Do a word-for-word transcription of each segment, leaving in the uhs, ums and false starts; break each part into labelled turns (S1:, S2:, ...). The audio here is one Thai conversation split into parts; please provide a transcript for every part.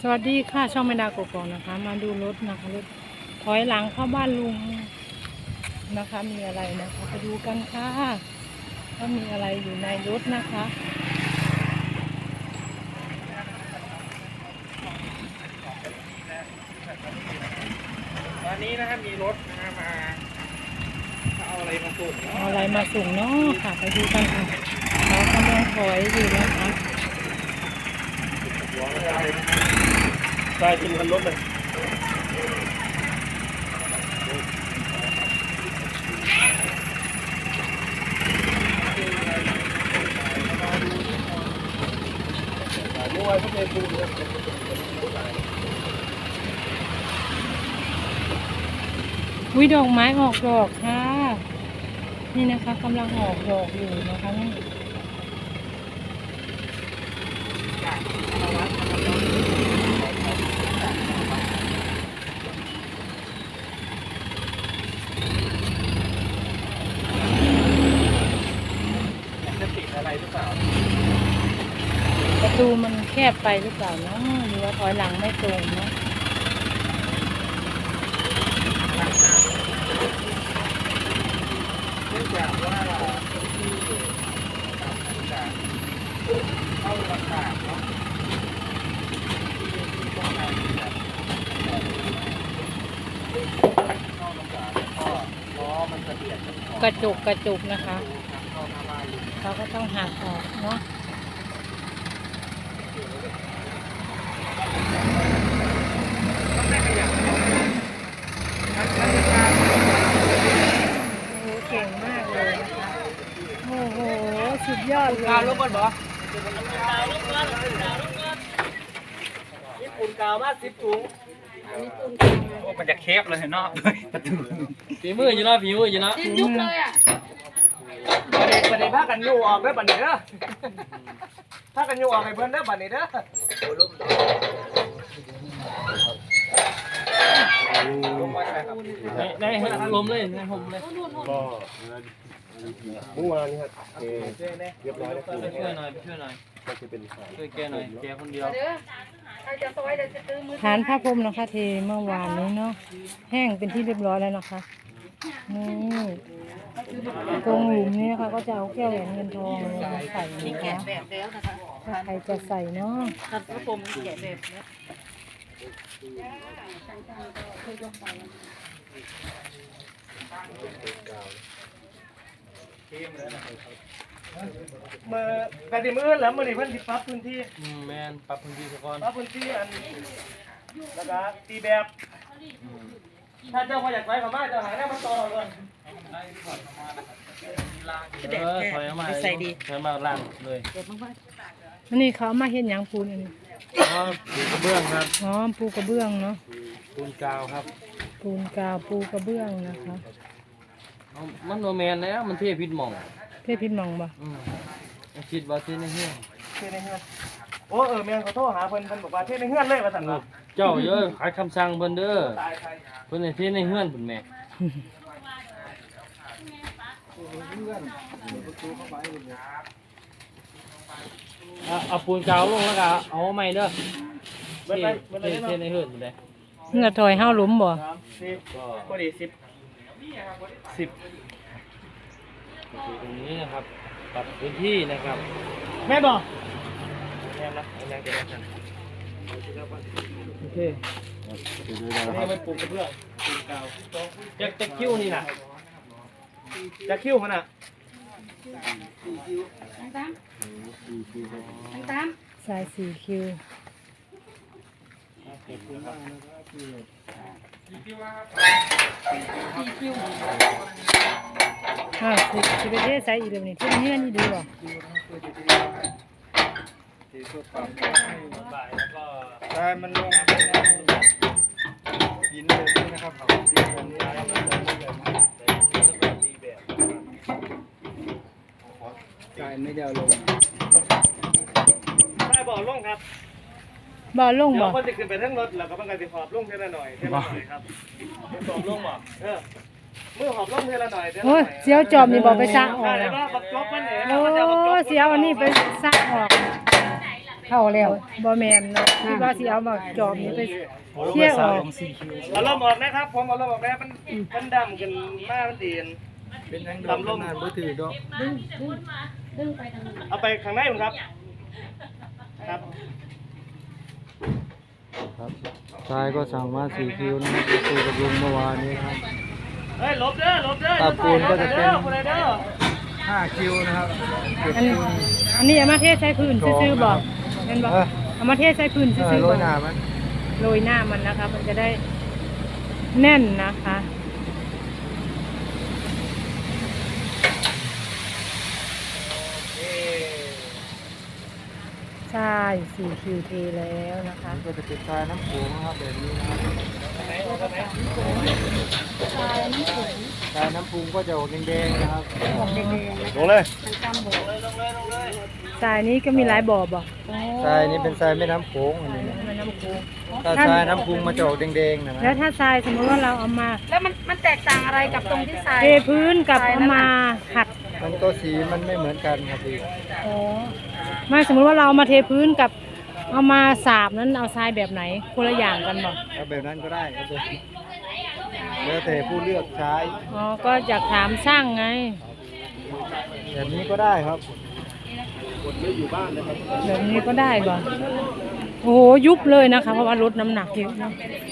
S1: สวัสดีค่ะช่องแม่ดากกอกนะคะ มาดูรถนะคะรถถอยหลังเข้าบ้านลุงนะคะมีอะไรนะคะไปดูกันค่ะว่ามีอะไรอยู่ในรถนะคะ
S2: ตอนนี้นะครับมีรถนะมาเอาอะไรมาส่งเนาะ
S1: เอาอะไรมาส่งเนาะค่ะไปดูกันค่ะเขากำลังถอยอยู่นะคะ
S2: ใช่เป็นคันรถเลยเมื่อวานก็เป็นปูนเลย
S1: วิดอกไม้ออกดอกค่ะนี่นะคะกำลังออกดอกอยู่นะคะนี่
S2: จะติดอะไรหรือเปล่า
S1: ประตูมันแคบไปหรือเปล่าเนาะหรือว่าถอยหลังไม่ตรงเนาะ
S2: เนื่องจากว่าที่จากเข้าลำบากเนาะที่ต้องการแบบเข้าลำบากก็ล้อมันจะเบียดกันออก
S1: กระจุกกระจุกนะคะ
S2: เข้าหน้าบ้านเลย
S1: เขาก็ต้องหักออกเนาะโอ้โหเก่งมากเลยนะคะโอ้โหสุดยอดเลย
S2: กาวลงก่อนบ่ญี่ปุ่นกาวมาสิบถุงโอ้มันจะเคฟเลยเนาะฝีมืออยู่เนาะฝีมืออยู่เนาะ
S3: ดิ้นยุบเลยอ่ะ
S2: ประเด็นประเด็นพากันยูออกได้อบัดนี้เด้อพากันยูออกให้เพิ่นเด้อบัดนี้เด้อลงมาใช่ครับในในลมเลยในลมเลย
S4: ก็เมื่อวานนี้ครับเอเรียบร้อยแล้วคือ
S2: ไปช่วยหน่อยไปช่วยหน่อย
S4: ก็จะเป็นสาย
S2: ช่วยแกหน่อยแกคนเดียว
S3: เด้อใครจะซอยเดี๋ยวจะตื้อมือ
S1: ฐานผ้าพรมนะคะเทเมื่อวานนี้เนาะแห้งเป็นที่เรียบร้อยแล้วนะคะนี่ตรงหลุมนี้นะคะก็จะเอาแก้วแหวนเงินทองมาใส่นะ
S3: แกะ
S1: คะ
S3: แบบแล้วนะคะ
S1: ถ้าใครจะใส่เนาะ
S3: ตัดพระพรหมแกะแบบแล้ว
S2: เมื่อแต่ที่มื้อแล้วมื้อนี้เพิ่นสิปรับพื้นที่
S5: อืมแมนปรับพื้นที่ซะก่อน
S2: ปรับพื้นที่อันแล้วก็ตีแบบถ้าเจ้าพออยากไปเข้ามาเจ้าหาแนวมาต่อก่อน
S5: เออถอยออกมาใส่ดีถอยมาล่างเลย
S1: อันนี้เขาเอามาเห็นอย่างปูนอันนี้
S5: อ๋อปูกระเบื้องครับ
S1: อ๋อปูกระเบื้องเนาะ
S5: ปูนกาวครับ
S1: ปูนกาวปูกระเบื้องนะคะ
S5: เอามันโนแมนแล้วมันเทพิษหม่อง
S1: เทพิษมองบ่
S5: อืมคิดว่าเทในเฮือน
S2: เทในเฮือนโอ้เออแม่นขอโทษหาเพิ่นเพิ่นบอกว่าเทในเฮือนเลยว่าซั่นเนาะ
S5: เจ้าเยอะขายคำสั่งเพิ่นเด้อ
S2: ตายใคร
S5: เพิ่นให้เทในเฮือนเพิ่นแม่เอาเอาปูนกาวลงแล้วก็เอาใหม่เด้อ
S2: เบิด
S5: เท
S2: ไปเบิด
S5: เท
S2: เลย
S5: เท
S2: เนาะ
S5: ในเฮือนเพิ่นเลย
S1: เงื่อถอยห้าหลุมบ่
S2: สามสิบพอดีสิบสิบ
S5: ตรงนี้นะครับปรับพื้นที่นะครับ
S2: แม่บอกแม่นะแม่จะได้กัน
S5: โอเค
S2: นี่มันปลูกกระเบื้องปลูกกาว
S5: จะจะคิ้วนี่นะ
S2: จะคิ้วมันอ่ะ
S3: ตั้งตามตั้งตาม
S1: สายสี่คิวอ่าสิสิไปเทใส่อีกเดี๋ยวนี้ที่เงื่อนนี่ดีบ่
S2: ได้มันลงหินเลยนะครับดินผมย้ายมาจากนี่เลยตีแบบใช่ไม่เดียวลงใช่บอกลงครับ
S1: บ่ลง
S2: เดี๋ย
S1: บ่
S2: วคนจะขึ้นไปทั้งรถแล้วก็มันก็จะหอบลงเท่าละหน่อยเท่าละหน่อยครับหอบลงบ่เออมือหอบลงเท่าละหน่อยเท่าละห
S1: โอ้
S2: น่
S1: ย
S2: อย
S1: เสียวจอมนี่บ่ไปซักออก
S2: ได้
S1: อะ
S2: ว่าบักจบมันเนี่ย
S1: โอ้เสียวอันนี้ไปซักออก
S2: เ
S3: เข้าแล้ว
S1: บอแมนเนาะที่ว่าสิเอามาจอบนี้ไปเที่ยวออก
S4: เอาลมออกนะครับผมเอาลมออกแล้วมันมันดำกันมากมันดีน
S5: เป็นยังดำลมนานบ่ถือดอก
S3: ดึงดึงดึงไปทางนั้น
S4: เอาไปข้างในผมครับครับ
S5: ครับชายก็สั่งมาสี่คิวนะครับไปคุยกับลุงเมื่อวานนี้ครับ
S4: เฮ้ยลบเด้อลบเด้อ
S5: ตาปูนก็จะเป็น
S4: คนเด้อ
S5: ห้าคิวนะครับเก็บ
S1: อันนี้
S5: ปูน
S1: อันนี้เอามาเทใส่พื้นซื่อๆบอกเห็นบอก
S5: เออ
S1: เอามาเทใส่พื้น
S5: เอ
S1: ซื่
S5: อ
S1: อๆ
S5: โร
S1: บอย ก
S5: หน้ามัน
S1: โรยหน้ามันนะคะ มันจะได้แน่นนะคะใช่สี่คิวเทแล้วนะคะ
S5: ก็จะเป็นทรายน้ำโขงนะครับแบบนี้นะครับทรายน้ำพุงก็จะออกแดงๆนะครับ
S4: ลงเลย
S1: ทรายนี้ก็มีหลายบ่อบ่
S5: ทรายนี้เป็นทรายแม่น้ำโขงอันนี้นะ
S1: มันน้ำโขง
S5: ถ้าทรายน้ำพุงมันจะออกแดงๆนะนะ
S1: แล้วถ้าทรายสมมติว่าเราเอามา
S3: แล้วมันมันแตกต่างอะไรกับตรงที่ทราย
S1: เทพื้นกับเอามาขัด
S5: มันก็สีมันไม่เหมือนกันครับพี่
S1: อ๋อไม่สมมติว่าเราเอามาเทพื้นกับเอามาสาบนั้นเอาทรายแบบไหนคนละอย่างกันบ่
S5: เอาแบบนั้นก็ได้ครับผมแล้วแต่ผู้เลือกใช้
S1: อ๋อก็อยากถามช่างไง
S5: แบบนี้ก็ได้ครับ
S1: แบบนี้ก็ได้บ่โอ้โหยุบเลยนะคะ เพราะว่าลดน้ำหนักเยอะนะ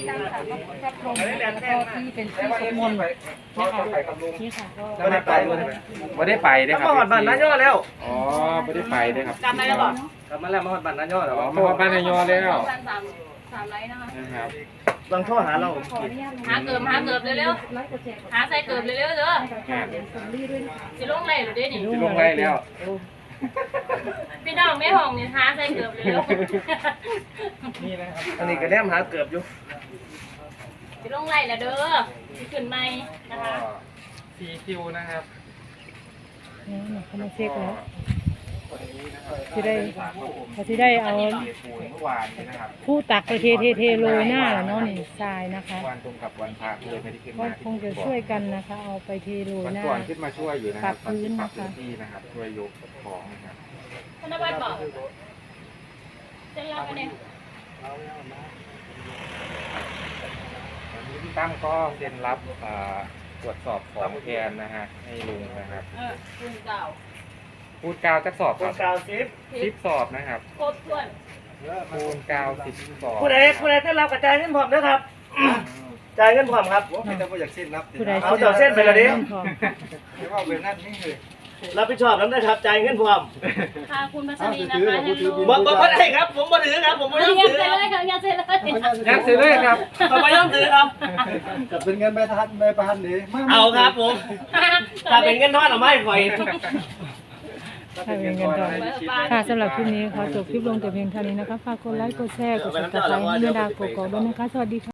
S3: ที่เป็นที่สมมติ
S1: นี่ค่ะก็
S4: ไม่ได้ไป
S2: ไม่ได้ไปได้ค
S4: มา
S2: รับ
S4: หอดบ้านน้าย่อแล้ว
S2: อ๋อไม่ได้ไปได้ครับ
S3: จำได้แล้วเหรอก
S4: ลับมาแล้วมาหอดบ้านน้าย่อแล้ว
S2: อ๋อมาบ้านนายอแล้ว
S3: สามสามสามไลน์นะคะ
S2: นะครับ
S4: ลองโทรหาเรา
S3: หาเกิบหาเกิบเร็วๆหาใส่เกิบเร็วๆเด้อสิลงไหลหรือเด้นี่
S2: ที่ลงไล่แล้ว
S3: พี่น้องไม่ห้องนี่หาใส่เกิบเร็ว
S2: นี่นะครับ
S4: อันนี้ก็แนมหาเกือบอยู่
S3: สิลงไหลแล้วเด้อสิขึ้นใหม่นะคะ
S2: สี่คิวนะครับ
S1: นี่เขามาเช็คแล้วที่ได้เขาที่ได้เอา
S2: เมื่อวานนี้นะครับ
S1: ผู้ตักไปเทเทเทโรยหน้าแล้วเนาะนี่ทรายนะคะ
S2: วันตรงกับวันพระเลยไม่ได้ขึ้น
S1: ก็
S2: มา
S1: คงจะช่วยกันนะคะ เอาไปเทโรย
S2: วัน
S1: หน้า
S2: ก่อนขึ้นมาช่วยอยู่นะครับ
S1: ปรับพื้นนะคะ
S2: ปรับพื้นที่นะครับช่วยยกของนะครับ
S3: ธนวัฒน์บอกเส้นรับไปเนี่ย
S2: วันนี้พี่ตั้มก็เซ็นรับอ่าตรวจสอบของแทนนะฮะให้ลุงนะครับ
S3: เออคุณเก่า
S2: พูดกาวจะสอบ
S4: ค
S2: ครั
S4: น
S2: บ
S4: กาวซิป
S2: สิบสอบนะครับ
S3: โคตรถ้วน
S2: พูนกาวสิบสอบ
S4: ผู้ใดผู้ใดได้รับกระจายเงินพร้อมนะครับจ่ายเงินพร้อมครับ
S5: ไม่ต้องอยากเส้นรับ
S1: ผู้ใด
S4: เอาเดี๋ยวเส้นไปเลยดิ
S5: ไม่ว่าแบบนั้นนี่คือ
S4: รับผิดชอบแล้วนะครับจ่ายเงินพร้อม
S3: พาคุณพัชรีนะคะให้ลูก
S4: บ่บ่บ่ได้ครับ ผมบ่ถือครับ ผมบ่ยอม
S3: ยั
S4: ถื
S3: ง
S4: อ
S3: เสร็
S4: ค
S3: จ
S4: รับ
S3: เลยค่ะยังเสร็จเลย
S2: ยักษ์ซื้อเลยครับ
S4: ผมบ่ยอมถือครับ
S5: จะเป็นเงินใบทันใบประหันนี้
S4: เอาครับผมถ้าเป็นเงินทอนเอาไม่ข่อย
S1: ถ้าเป็นเงินดอลค่ะสำหรับคลิปนี้ขอจบคลิปลงแต่เพียงเท่านี้นะคะฝากกดไลค์กดแชร์กดติดตามให้แม่ดากกอกๆด้วยนะคะสวัสดีค่ะ